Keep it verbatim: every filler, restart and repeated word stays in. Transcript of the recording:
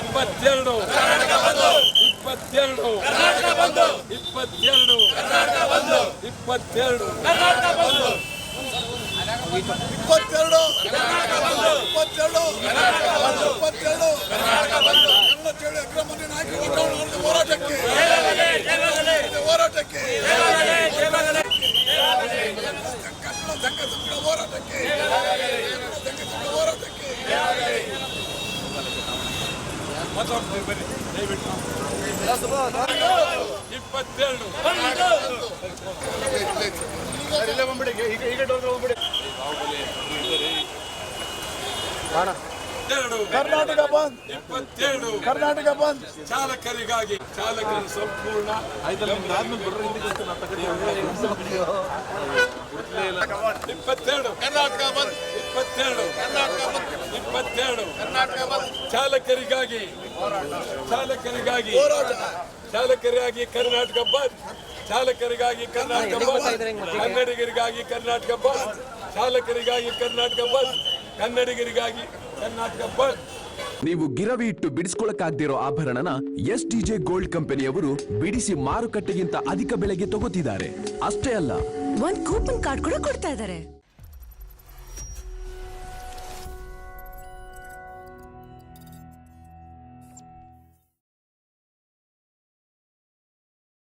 ಇಪ್ಪತ್ತೆರಡು ಇಪ್ಪತ್ತೆರಡು ಇಪ್ಪತ್ತೆರಡು ಇಪ್ಪತ್ತೆರಡು ಇಪ್ಪತ್ತೆರಡು ಇಪ್ಪತ್ತೆರಡು ಇಪ್ಪತ್ತೆರಡು ಚೇಳು ಅಕ್ರಮಣಿ ನಾಯಕರ ಹೋರಾಟಕ್ಕೆ ಹೋರಾಟಕ್ಕೆ ಸಂಘ ಸಂಘ ಹೋರಾಟಕ್ಕೆ ಸಂಘ ಸಂಘ ಹೋರಾಟಕ್ಕೆ ಇಪ್ಪತ್ತೆರಡು ಕರ್ನಾಟಕ ಬಂದ್ ಇಪ್ಪತ್ತೆರಡು ಕರ್ನಾಟಕ ಬಂದ್ ಚಾಲಕರಿಗಾಗಿ ಚಾಲಕರ ಸಂಪೂರ್ಣ ಇಪ್ಪತ್ತೆರಡು ಕರ್ನಾಟಕ ಬಂದ್ ಇಪ್ಪತ್ತೆರಡು ಕರ್ನಾಟಕ ಬಂದ್ ಇಪ್ಪತ್ತೆರಡು ಕರ್ನಾಟಕ ಬಂದ್ ಚಾಲಕರಿಗಾಗಿ ಚಾಲಕರಿಗಾಗಿ ಹೋರಾಟ ಚಾಲಕರಿಗಾಗಿ ಕರ್ನಾಟಕ ಬಂದ್ ಚಾಲಕರಿಗಾಗಿ ಕರ್ನಾಟಕ ಬಂದ್ ಕನ್ನಡಿಗರಿಗಾಗಿ ಕರ್ನಾಟಕ ಬಂದ್ ಚಾಲಕರಿಗಾಗಿ ಕರ್ನಾಟಕ ಬಂದ್ ಕನ್ನಡಿಗರಿಗಾಗಿ ಕರ್ನಾಟಕ ಬಂದ್. ನೀವು ಗಿರವಿ ಇಟ್ಟು ಬಿಡಿಸ್ಕೊಳಕ್ಕಾಗ್ದಿರೋ ಆಭರಣನ ಎಸ್ ಟಿ ಜೆ ಗೋಲ್ಡ್ ಕಂಪನಿಯವರು ಬಿಡಿಸಿ ಮಾರುಕಟ್ಟೆಗಿಂತ ಅಧಿಕ ಬೆಲೆಗೆ ತಗೋತಿದ್ದಾರೆ. ಅಷ್ಟೇ ಅಲ್ಲ, ಒಂದ್ ಕೂಪನ್ ಕಾರ್ಡ್ ಕೂಡ ಕೊಡ್ತಾ ಇದ್ದಾರೆ.